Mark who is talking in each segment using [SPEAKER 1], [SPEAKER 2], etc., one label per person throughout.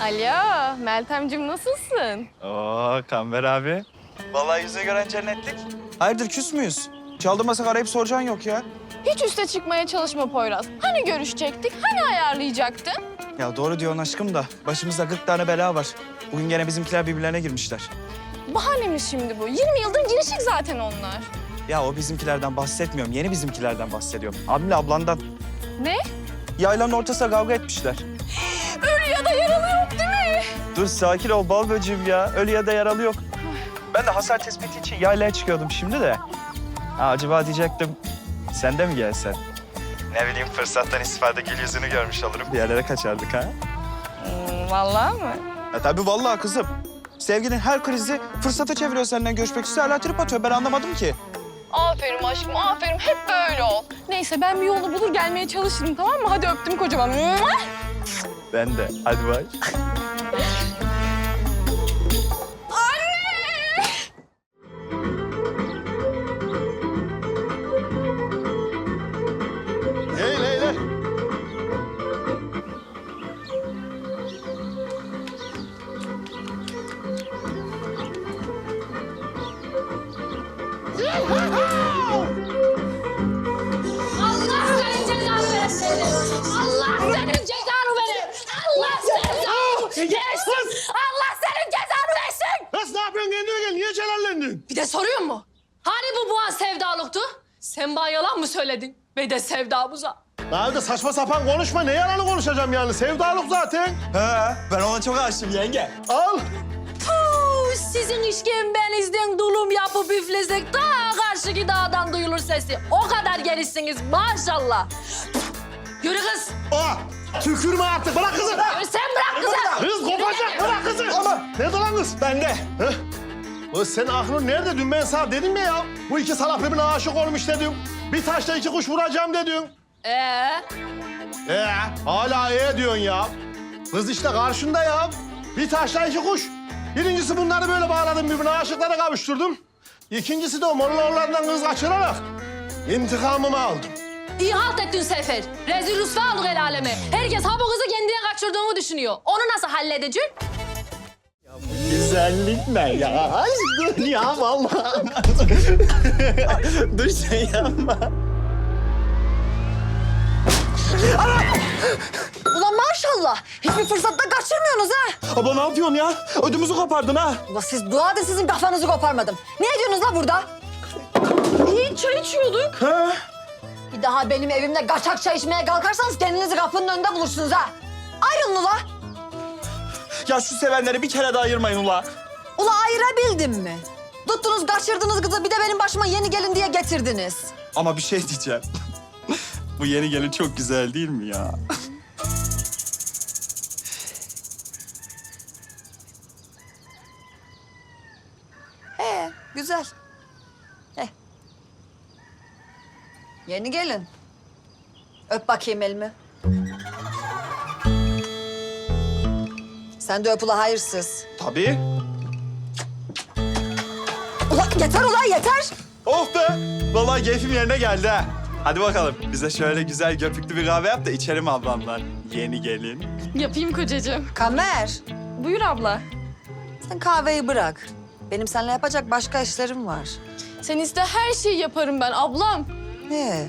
[SPEAKER 1] Alo, Meltemciğim nasılsın?
[SPEAKER 2] Oo Kamber abi. Vallahi yüzünü gören cennetlik. Hayırdır küs müyüz? Çaldırmasak arayıp soracaksın yok ya.
[SPEAKER 1] Hiç üste çıkmaya çalışma Poyraz. Hani görüşecektik, hani ayarlayacaktın?
[SPEAKER 2] Ya doğru diyorsun aşkım da başımızda 40 tane bela var. Bugün gene bizimkiler birbirlerine girmişler.
[SPEAKER 1] Bahanemiz şimdi bu. 20 yıldır girişik zaten onlar.
[SPEAKER 2] Ya o bizimkilerden bahsetmiyorum. Yeni bizimkilerden bahsediyorum. Abimle ablandan.
[SPEAKER 1] Ne?
[SPEAKER 2] Yaylanın ortasında kavga etmişler.
[SPEAKER 1] Ölü ya da yaralı yok değil mi?
[SPEAKER 2] Dur sakin ol bal böceğim ya. Ölü ya da yaralı yok. Ben de hasar tespiti için yaylaya çıkıyordum şimdi de. Ha, acaba diyecektim sen de mi gelsen? Ne bileyim fırsattan istifade gül yüzünü görmüş olurum. Bir yerlere kaçardık ha.
[SPEAKER 1] Vallahi mı?
[SPEAKER 2] Ya tabii vallahi kızım. Sevginin her krizi fırsata çeviriyor senden görüşmek istiyor. Hala trip atıyor. Ben anlamadım ki.
[SPEAKER 1] Aferin aşkım, aferin. Hep böyle ol. Neyse ben bir yolunu bulur gelmeye çalışırım tamam mı? Hadi öptüm kocaman.
[SPEAKER 2] Ben de. Hadi bay.
[SPEAKER 3] Hey Leyla.
[SPEAKER 4] Allah senin cezanı versin. Allah senin cezanı verir. Allah senin versin. Allah senin cezanı versin.
[SPEAKER 3] Kız ne yapıyorsun kendine gel? Niye celallendin?
[SPEAKER 4] Bir de soruyor mu? Hani bu boğaz sevdalıktı? Sen bana yalan mı söyledin? Ve de sevdamıza.
[SPEAKER 3] Daha öyle saçma sapan konuşma. Ne yalanı konuşacağım yani? Sevdalık zaten.
[SPEAKER 2] He, ben ona çok aşığım yenge.
[SPEAKER 3] Al.
[SPEAKER 4] Puh, sizin işkembenizden dulum yapıp üflesek daha karşıki dağdan duyulur sesi. O kadar gelişsiniz maşallah. Yürü kız.
[SPEAKER 3] Aa, tükürme artık. Bırak kızı.
[SPEAKER 4] Yürü sen bırak kızı.
[SPEAKER 3] Kız kopacak. Bırak kızı.
[SPEAKER 2] Ama-
[SPEAKER 3] Nerede lan kız?
[SPEAKER 2] Ben de.
[SPEAKER 3] Heh. Kız senin aklın nerede? Dün ben sana dedim ya. Bu iki salak birbirine aşık olmuş dedim. Bir taşla iki kuş vuracağım dedim. Hala diyorsun ya. Kız işte karşında ya. Bir taşla iki kuş. Birincisi bunları böyle bağladım birbirine aşıklara kavuşturdum. İkincisi de o Mollaoğullarından kız kaçırarak intikamımı aldım.
[SPEAKER 4] İyi halt ettin Sefer. Rezil rüsva olduk el aleme. Herkes ha bu kızı kendine kaçırdığını düşünüyor. Onu nasıl halledecek?
[SPEAKER 2] Güzellik ne ya? Dur ya vallahi. Dur sen yapma.
[SPEAKER 5] Ulan maşallah. Hiçbir fırsatta kaçırmıyorsunuz ha.
[SPEAKER 2] Abla ne yapıyorsun ya? Ödümüzü kopardın ha.
[SPEAKER 5] Ulan siz dua da sizin kafanızı koparmadım. Ne ediyorsunuz la burada?
[SPEAKER 1] İyi çay içiyorduk.
[SPEAKER 2] Ha?
[SPEAKER 5] Bir daha benim evimde kaçak çay içmeye kalkarsanız kendinizi kapının önünde bulursunuz ha. Ayrılın ula.
[SPEAKER 2] Ya şu sevenleri bir kere daha ayırmayın ula.
[SPEAKER 5] Ula ayırabildim mi? Tuttunuz kaçırdınız kızı bir de benim başıma yeni gelin diye getirdiniz.
[SPEAKER 2] Ama bir şey diyeceğim. Bu yeni gelin çok güzel değil mi ya?
[SPEAKER 5] Güzel. Yeni gelin. Öp bakayım elimi. Sen de öp ula hayırsız.
[SPEAKER 2] Tabii.
[SPEAKER 5] Ula yeter ula yeter.
[SPEAKER 2] Oh be! Vallahi keyfim yerine geldi ha. Hadi bakalım bize şöyle güzel köpüklü bir kahve yap da içelim ablamdan. Yeni gelin.
[SPEAKER 1] Yapayım kocacığım.
[SPEAKER 5] Kamer.
[SPEAKER 1] Buyur abla.
[SPEAKER 5] Sen kahveyi bırak. Benim seninle yapacak başka işlerim var.
[SPEAKER 1] Sen iste her şeyi yaparım ben ablam.
[SPEAKER 5] Ne?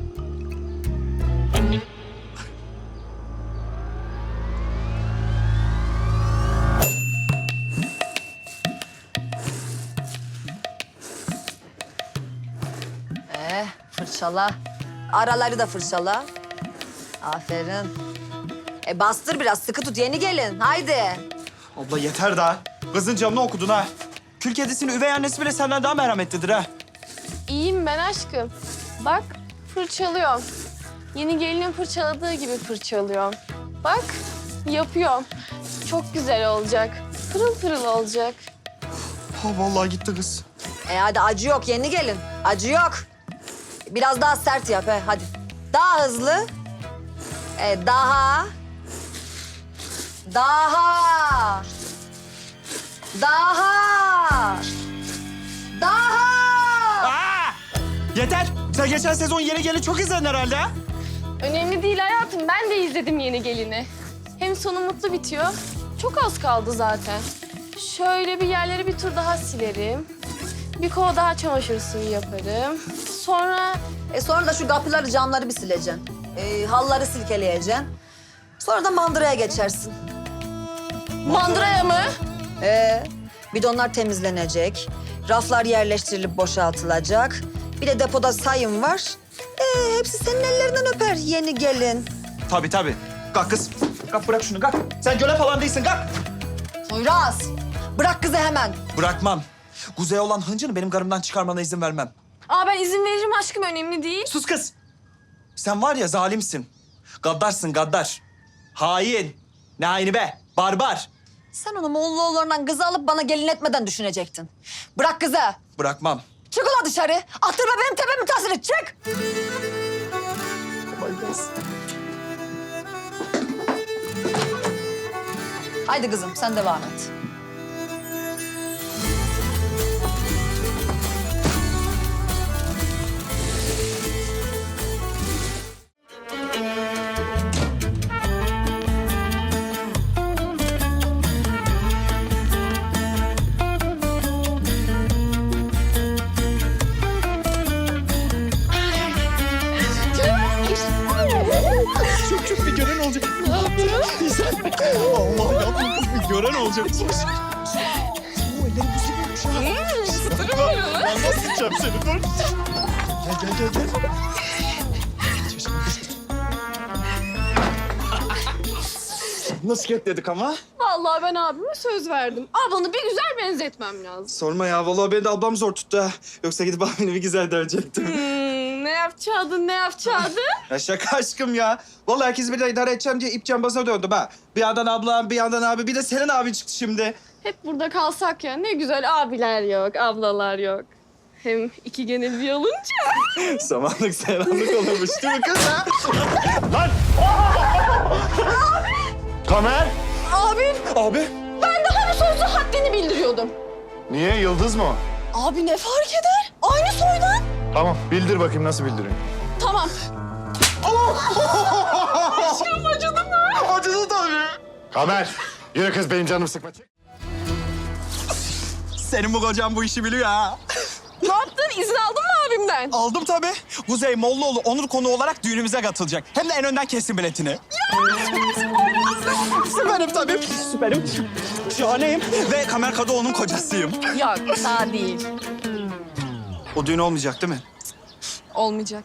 [SPEAKER 5] Fırçala. Araları da fırçala. Aferin. Bastır biraz, sıkı tut. Yeni gelin. Haydi.
[SPEAKER 2] Abla yeter daha. Kızın canını okudun ha. Kül kedisinin üvey annesi bile senden daha merhametlidir ha.
[SPEAKER 1] İyiyim ben aşkım. Bak fırçalıyorum. Yeni gelinin fırçaladığı gibi fırçalıyorum. Bak yapıyorum. Çok güzel olacak. Pırıl pırıl olacak.
[SPEAKER 2] Ha vallahi gitti kız.
[SPEAKER 5] Hadi acı yok yeni gelin. Acı yok. Biraz daha sert yap hadi. Daha hızlı. Daha. Daha. Daha. Daha.
[SPEAKER 2] Aa! Yeter. Sen geçen sezon yeni gelin çok izledin herhalde ha?
[SPEAKER 1] Önemli değil hayatım. Ben de izledim yeni gelini. Hem sonu mutlu bitiyor Çok az kaldı zaten. Şöyle bir yerleri bir tur daha silerim. Bir kova daha çamaşır suyu yaparım. Sonra
[SPEAKER 5] Sonra da şu kapıları, camları bir sileceksin. Halları silkeleyeceksin. Sonra da mandıraya geçersin.
[SPEAKER 1] mandıraya mı?
[SPEAKER 5] Bidonlar temizlenecek. Raflar yerleştirilip boşaltılacak. Bir de depoda sayım var. Hepsi senin ellerinden öper yeni gelin.
[SPEAKER 2] Tabii tabii. Kalk kız. Kalk bırak şunu kalk. Sen göle falan değilsin kalk.
[SPEAKER 5] Poyraz, bırak kızı hemen.
[SPEAKER 2] Bırakmam. Kuzey olan hıncını benim karımdan çıkarmana izin vermem.
[SPEAKER 1] Aa ben izin veririm aşkım, önemli değil.
[SPEAKER 2] Sus kız. Sen var ya zalimsin. Gaddarsın gaddar. Hain. Ne haini be? Barbar.
[SPEAKER 5] Sen onu Mollaoğullarından kızı alıp bana gelin etmeden düşünecektin. Bırak kızı.
[SPEAKER 2] Bırakmam.
[SPEAKER 5] Çık ulan dışarı. Attırma benim tepemi tasını. Çık. Haydi kızım sen devam et.
[SPEAKER 2] Çok bir gören olacak. Ne yapıyorsun? Allah yavrum bir gören olacak. Bu ellerim buz gibiymiş ha. Ben nasıl sıçacağım seni? Dur. Gel. Nasıl ketledik ama?
[SPEAKER 1] Vallahi ben abime söz verdim. Ablanı bir güzel benzetmem lazım.
[SPEAKER 2] Sorma ya. Vallahi beni de ablam zor tuttu ha. Yoksa gidip abini bir güzel dövecektim.
[SPEAKER 1] Ne yapacaktın?
[SPEAKER 2] Ya şaka aşkım ya. Vallahi herkes bir de idare edeceğim diye ip cambazına döndüm ha. Bir yandan ablam, bir yandan abi. Bir de senin abin çıktı şimdi.
[SPEAKER 1] Hep burada kalsak ya, ne güzel abiler yok, ablalar yok. Hem iki genel bir olunca.
[SPEAKER 2] Samanlık seranlık olurmuş değil mi kız ha?
[SPEAKER 3] Lan! Kamer!
[SPEAKER 1] Abim,
[SPEAKER 2] Abi.
[SPEAKER 1] ben daha bir sözlü haddini bildiriyordum.
[SPEAKER 3] Niye? Yıldız mı o?
[SPEAKER 1] Abi ne fark eder? Aynı soydan.
[SPEAKER 3] Tamam, bildir bakayım nasıl bildiriyorsun.
[SPEAKER 1] Tamam.
[SPEAKER 2] Acıdı tabii.
[SPEAKER 3] Kamer! Yürü kız benim canım sıkma. Çık.
[SPEAKER 2] Senin bu kocan bu işi biliyor ha.
[SPEAKER 1] Ne yaptın? İzin aldın mı abimden?
[SPEAKER 2] Aldım tabii. Kuzey Mollaoğlu onur konuğu olarak düğünümüze katılacak. Hem de en önden kesin biletini. Ya süperim tabii. Süperim. Şahaneyim. Ve Kamer Kadıoğlu'nun kocasıyım.
[SPEAKER 1] Yok, daha değil.
[SPEAKER 2] O düğün olmayacak değil mi?
[SPEAKER 1] Olmayacak.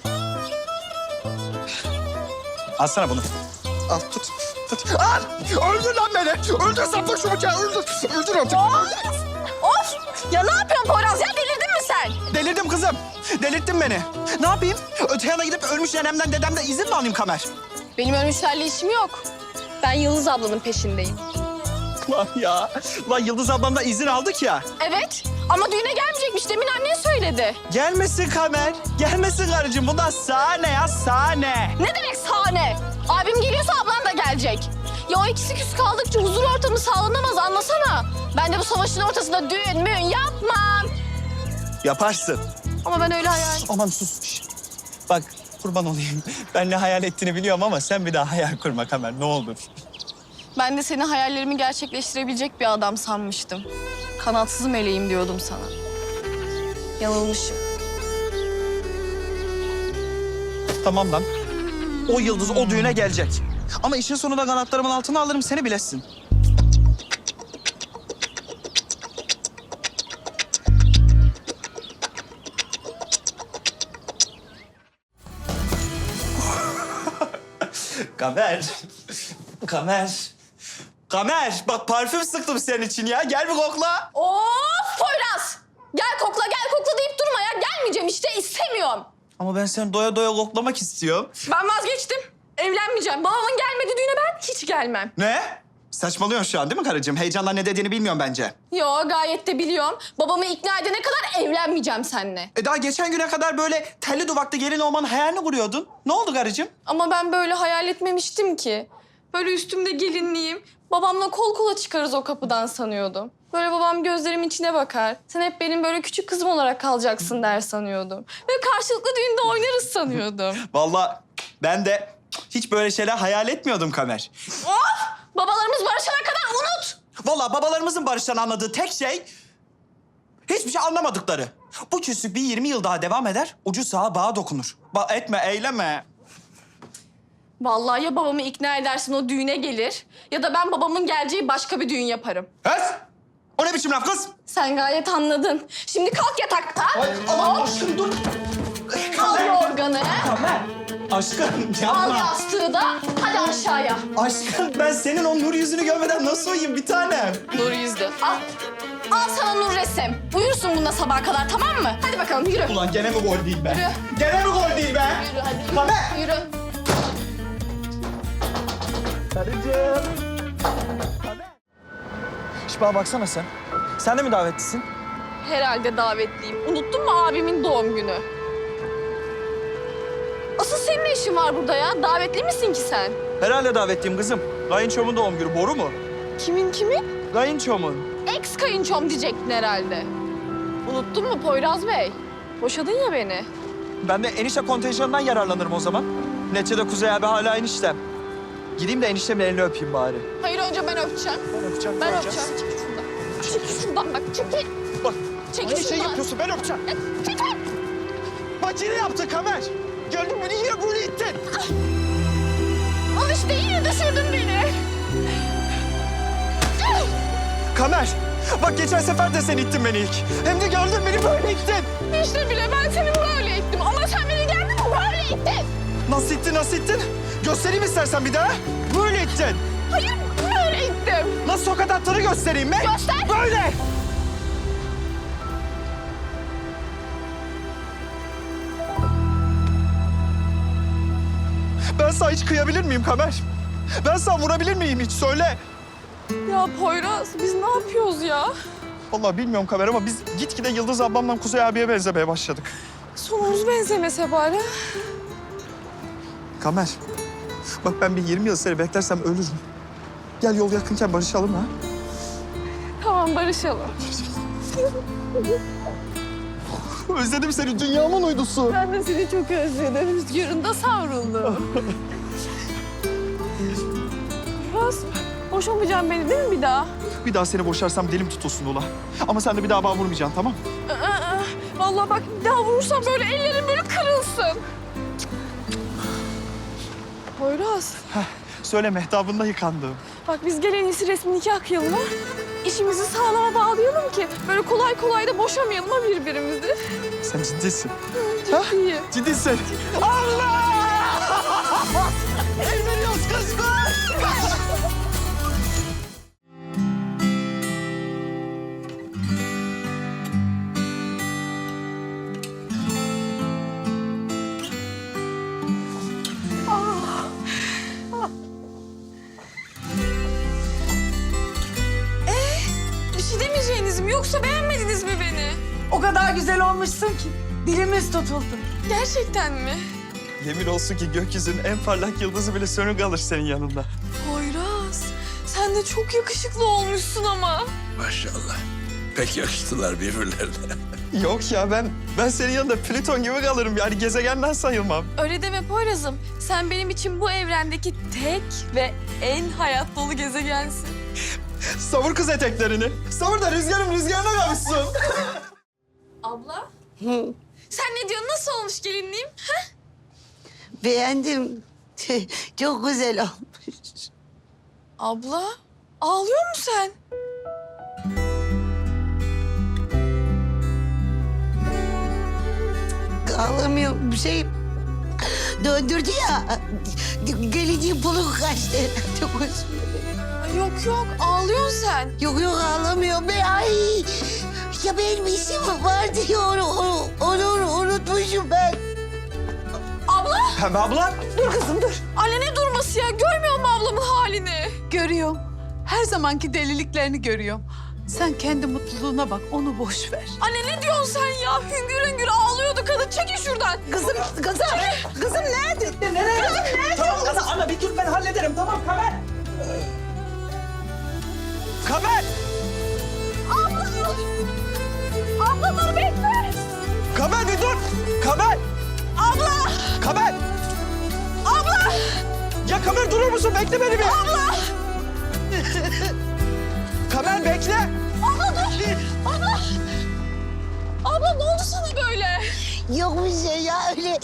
[SPEAKER 2] Alsana bunu. Al tut. Al! Öldür lan beni. Öldür sapla şu bıçağı. Öldür artık.
[SPEAKER 1] Of! Ya ne yapıyorsun Poyraz ya? Delirdin mi sen?
[SPEAKER 2] Delirdim kızım. Delirttin beni. Ne yapayım? Öte yana gidip ölmüş nenemden dedemden izin mi alayım Kamer?
[SPEAKER 1] Benim ölmüşlerle işim yok. Ben Yıldız ablanın peşindeyim.
[SPEAKER 2] Lan ya. Lan Yıldız ablamdan izin aldık ya.
[SPEAKER 1] Evet ama düğüne gelmeyecekmiş. Demin annen söyledi.
[SPEAKER 2] Gelmesin Kamer. Gelmesin karıcığım. Bundan sahne ya sahne.
[SPEAKER 1] Ne demek sahne? Abim geliyorsa ablan da gelecek. Ya o ikisi küs kaldıkça huzur ortamı sağlanamaz, anlasana. Ben de bu savaşın ortasında düğün müğün yapmam.
[SPEAKER 2] Yaparsın.
[SPEAKER 1] Ama ben öyle hayal...
[SPEAKER 2] Aman sus. Şişt. Bak kurban olayım. Ben ne hayal ettiğini biliyorum ama sen bir daha hayal kurma Kamer ne olur.
[SPEAKER 1] Ben de seni hayallerimi gerçekleştirebilecek bir adam sanmıştım. Kanatsız meleğim diyordum sana. Yanılmışım.
[SPEAKER 2] Tamam lan. O Yıldız o düğüne gelecek. Ama işin sonunda kanatlarımın altına alırım seni bilesin. Kamer. Kamer. Bak parfüm sıktım senin için ya. Gel bir kokla.
[SPEAKER 1] Of Poyraz! Gel kokla deyip durma ya. Gelmeyeceğim işte, istemiyorum.
[SPEAKER 2] Ama ben seni doya doya koklamak istiyorum.
[SPEAKER 1] Ben vazgeçtim. Evlenmeyeceğim. Babamın gelmediği düğüne ben hiç gelmem.
[SPEAKER 2] Ne? Saçmalıyorsun şu an değil mi karıcığım? Heyecandan ne dediğini bilmiyorum bence.
[SPEAKER 1] Yo, gayet de biliyorum. Babamı ikna edene kadar evlenmeyeceğim seninle.
[SPEAKER 2] Daha geçen güne kadar böyle telli duvaklı gelin olmanın hayalini kuruyordun. Ne oldu karıcığım?
[SPEAKER 1] Ama ben böyle hayal etmemiştim ki. Böyle üstümde gelinliğim, babamla kol kola çıkarız o kapıdan sanıyordum. Böyle babam gözlerimin içine bakar. Sen hep benim böyle küçük kızım olarak kalacaksın der sanıyordum. Ve karşılıklı düğünde oynarız sanıyordum.
[SPEAKER 2] Vallahi ben de Hiç böyle şeyler hayal etmiyordum Kamer.
[SPEAKER 1] Babalarımız barışana kadar unut.
[SPEAKER 2] Vallahi babalarımızın barıştan anladığı tek şey... hiçbir şey anlamadıkları. Bu küslük bir 20 yıl daha devam eder, ucu sağa bağa dokunur. Etme, eyleme.
[SPEAKER 1] Vallahi ya babamı ikna edersin o düğüne gelir ya da ben babamın geleceği başka bir düğün yaparım.
[SPEAKER 2] Öz! O ne biçim laf kız?
[SPEAKER 1] Sen gayet anladın. Şimdi kalk yatakta.
[SPEAKER 2] Aman aşkım dur.
[SPEAKER 1] Al yorganı.
[SPEAKER 2] Kamer. Aşkım
[SPEAKER 1] Al
[SPEAKER 2] yapma.
[SPEAKER 1] yastığı da. Hadi aşağıya.
[SPEAKER 2] Aşkım ben senin o nur yüzünü görmeden nasıl uyuyayım bir tanem?
[SPEAKER 1] Nur yüzlü. Al. Al sana nur resim. Uyursun bunda sabaha kadar, tamam mı? Hadi bakalım yürü.
[SPEAKER 2] Ulan gene mi gol değil be?
[SPEAKER 1] Yürü.
[SPEAKER 2] Gene mi gol değil be?
[SPEAKER 1] Yürü hadi. Yürü.
[SPEAKER 2] Kamer.
[SPEAKER 1] Yürü.
[SPEAKER 2] Karıcığım. Şipa baksana sen. Sen de mi davetlisin?
[SPEAKER 1] Herhalde davetliyim. Unuttun mu abimin doğum günü? Asıl senin ne işin var burada ya? Davetli misin ki sen?
[SPEAKER 2] Herhalde davetliyim kızım. Kayınçomun doğum günü. Boru mu?
[SPEAKER 1] Kimin?
[SPEAKER 2] Kayınçomun.
[SPEAKER 1] Ex kayınçom diyecektin herhalde. Unuttun mu Poyraz Bey? Boşadın ya beni.
[SPEAKER 2] Ben de enişte kontenjanından yararlanırım o zaman. Neticede Kuzey abi hala eniştem. Gideyim de eniştemin elini öpeyim bari.
[SPEAKER 1] Hayır önce ben öpeceğim.
[SPEAKER 2] Ben öpeceğim.
[SPEAKER 1] Ben
[SPEAKER 2] göreceğiz.
[SPEAKER 1] öpeceğim. Çekil şuradan. Çekil şuradan bak çekil.
[SPEAKER 2] Bak.
[SPEAKER 1] Çekil
[SPEAKER 2] Aynı şeyi
[SPEAKER 1] şuradan.
[SPEAKER 2] yapıyorsun. Ben öpeceğim.
[SPEAKER 1] Çekil.
[SPEAKER 2] Bak yine yaptın Kamer. Gördün mü? Yine böyle ittin.
[SPEAKER 1] Al işte yine düşürdün beni.
[SPEAKER 2] Kamer. Bak geçen sefer de sen ittin beni ilk. Hem de gördün beni böyle ittin.
[SPEAKER 1] İşte bile ben seni böyle ittim ama sen beni geldin böyle ittin.
[SPEAKER 2] Nasıl ittin, nasıl ittin? Göstereyim istersen bir daha. Böyle ittin.
[SPEAKER 1] Hayır böyle ittim.
[SPEAKER 2] Nasıl tokat attığını göstereyim mi?
[SPEAKER 1] Göster.
[SPEAKER 2] Böyle. Ben sana hiç kıyabilir miyim Kamer? Ben sana vurabilir miyim hiç? Söyle.
[SPEAKER 1] Ya Poyraz biz ne yapıyoruz ya?
[SPEAKER 2] Vallahi bilmiyorum Kamer ama biz gitgide Yıldız ablamla Kuzey abiye benzemeye başladık.
[SPEAKER 1] Sonumuz benzemese bari.
[SPEAKER 2] Kamer, bak ben bir 20 yıl seni beklersem ölürüm. Gel yol yakınken barışalım ha.
[SPEAKER 1] Tamam barışalım.
[SPEAKER 2] Özledim seni, dünyamın uydusu.
[SPEAKER 1] Ben de seni çok özledim. Rüzgarında savruldum. Poyraz boşamayacaksın beni değil mi bir daha?
[SPEAKER 2] Bir daha seni boşarsam dilim tutulsun ula. Ama sen de bir daha bana vurmayacaksın, tamam?
[SPEAKER 1] Vallahi bak bir daha vurursam böyle ellerim böyle kırılsın. Poyraz,
[SPEAKER 2] Söyle mehtabında yıkandım.
[SPEAKER 1] bak biz gel en iyisi resmi nikah kıyalım ha. İşimizi sağlama bağlayalım ki böyle kolay kolay da boşamayalım ha birbirimizi.
[SPEAKER 2] Sen ciddisin.
[SPEAKER 1] Çok iyi.
[SPEAKER 2] Ciddisin. Allah! Evleniyoruz kız kız!
[SPEAKER 1] Bir şey demeyeceğiniz mi yoksa beğenmediniz mi beni?
[SPEAKER 6] O kadar güzel olmuşsun ki dilimiz tutuldu.
[SPEAKER 1] Gerçekten mi?
[SPEAKER 2] Yemin olsun ki gökyüzünün en parlak yıldızı bile sönük kalır senin yanında.
[SPEAKER 1] Poyraz, sen de çok yakışıklı olmuşsun ama.
[SPEAKER 7] Maşallah. Pek yakıştılar birbirlerine.
[SPEAKER 2] Yok ya ben senin yanında Plüton gibi kalırım. Yani gezegenden sayılmam.
[SPEAKER 1] Öyle deme Poyraz'ım. Sen benim için bu evrendeki tek ve en hayat dolu gezegensin.
[SPEAKER 2] Savur kız eteklerini. Savur da rüzgarım rüzgarına kavuşsun.
[SPEAKER 1] Abla? Sen ne diyorsun? Nasıl olmuş gelinliğim?
[SPEAKER 6] Beğendim. Çok güzel olmuş.
[SPEAKER 1] Abla, ağlıyor musun sen?
[SPEAKER 6] Ağlamıyorum bir şey döndürdü ya. Geleceğin pulu kaçtı. Çok hoşuma.
[SPEAKER 1] Ay yok, ağlıyorsun sen.
[SPEAKER 6] Yok ağlamıyorum be. Ay. Ya benim işim vardı ya onu unutmuşum ben.
[SPEAKER 1] Abla!
[SPEAKER 2] Pembe abla.
[SPEAKER 6] Dur kızım dur.
[SPEAKER 1] Anne ne durması ya? Görmüyor musun ablamın halini?
[SPEAKER 8] Görüyorum. Her zamanki deliliklerini görüyorum. Sen kendi mutluluğuna bak, onu boş ver.
[SPEAKER 1] Anne ne diyorsun sen ya? Hüngür hüngür ağlıyordu kadın. Çekil şuradan.
[SPEAKER 6] Kızım nerede? Nereye?
[SPEAKER 2] Tamam ana bir dur ben hallederim. Tamam Kamer. Kamer.
[SPEAKER 1] Abla dur bekle.
[SPEAKER 2] Kamer bir dur. Kamer.
[SPEAKER 1] Abla!
[SPEAKER 2] Kamer.
[SPEAKER 1] Abla!
[SPEAKER 2] Ya Kamer durur musun? Bekle beni bir. Abla! Kamer bekle.
[SPEAKER 1] Abla dur. Abla. Abla ne oldu sana böyle?
[SPEAKER 6] Yok bir şey ya öyle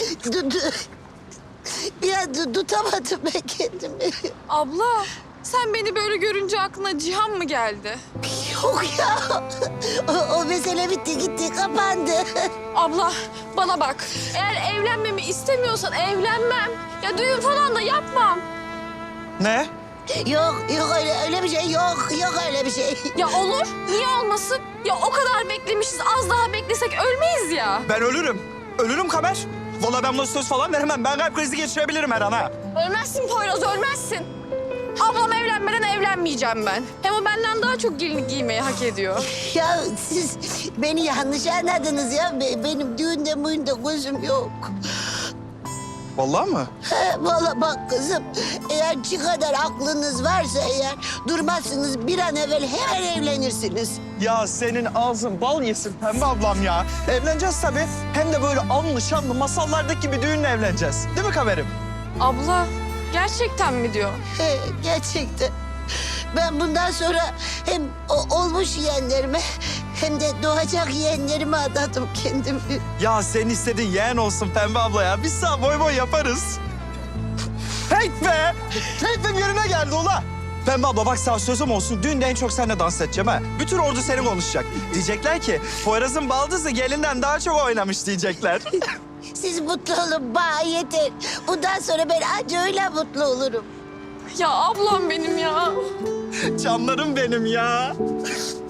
[SPEAKER 6] biraz tutamadım ben kendimi.
[SPEAKER 1] Abla sen beni böyle görünce aklına Cihan mı geldi?
[SPEAKER 6] Yok ya. O mesele bitti gitti kapandı.
[SPEAKER 1] Abla bana bak. Eğer evlenmemi istemiyorsan evlenmem. Ya düğün falan da yapmam.
[SPEAKER 2] Ne?
[SPEAKER 6] Yok öyle bir şey yok öyle bir şey.
[SPEAKER 1] Ya olur. Niye olmasın? Ya o kadar beklemişiz. Az daha beklesek ölmeyiz ya.
[SPEAKER 2] Ben ölürüm. Ölürüm Kamer. Vallahi ben buna söz falan veremem. Ben kalp krizi geçirebilirim her an ha.
[SPEAKER 1] Ölmezsin Poyraz, ölmezsin. Ablam evlenmeden evlenmeyeceğim ben. Hem o benden daha çok gelinlik giymeyi hak ediyor.
[SPEAKER 6] Ya siz beni yanlış anladınız ya. Benim düğünde müğünde gözüm yok.
[SPEAKER 2] Vallahi mı?
[SPEAKER 6] Vallahi bak kızım, eğer şu kadar aklınız varsa eğer durmazsınız bir an evvel hemen evlenirsiniz.
[SPEAKER 2] Ya senin ağzın bal yesin Pembe ablam ya. Evleneceğiz tabii. Hem de böyle anlı şanlı masallardaki gibi düğünle evleneceğiz. Değil mi Kamer'im?
[SPEAKER 1] Abla gerçekten mi diyor?
[SPEAKER 6] Gerçekten. Ben bundan sonra hem olmuş yeğenlerime hem de doğacak yeğenlerime adadım kendimi.
[SPEAKER 2] Ya senin istediğin yeğen olsun Pembe abla ya. Biz sana boy boy yaparız. Heyt be! Keyfim yerine geldi ula. Pembe abla bak sana sözüm olsun. Düğünde en çok seninle dans edeceğim ha. Bütün ordu seni konuşacak. Diyecekler ki Poyraz'ın baldızı gelinden daha çok oynamış diyecekler.
[SPEAKER 6] Siz mutlu olun bana yeter. Bundan sonra ben anca öyle mutlu olurum.
[SPEAKER 1] Ya ablam benim ya.
[SPEAKER 2] Canlarım benim ya.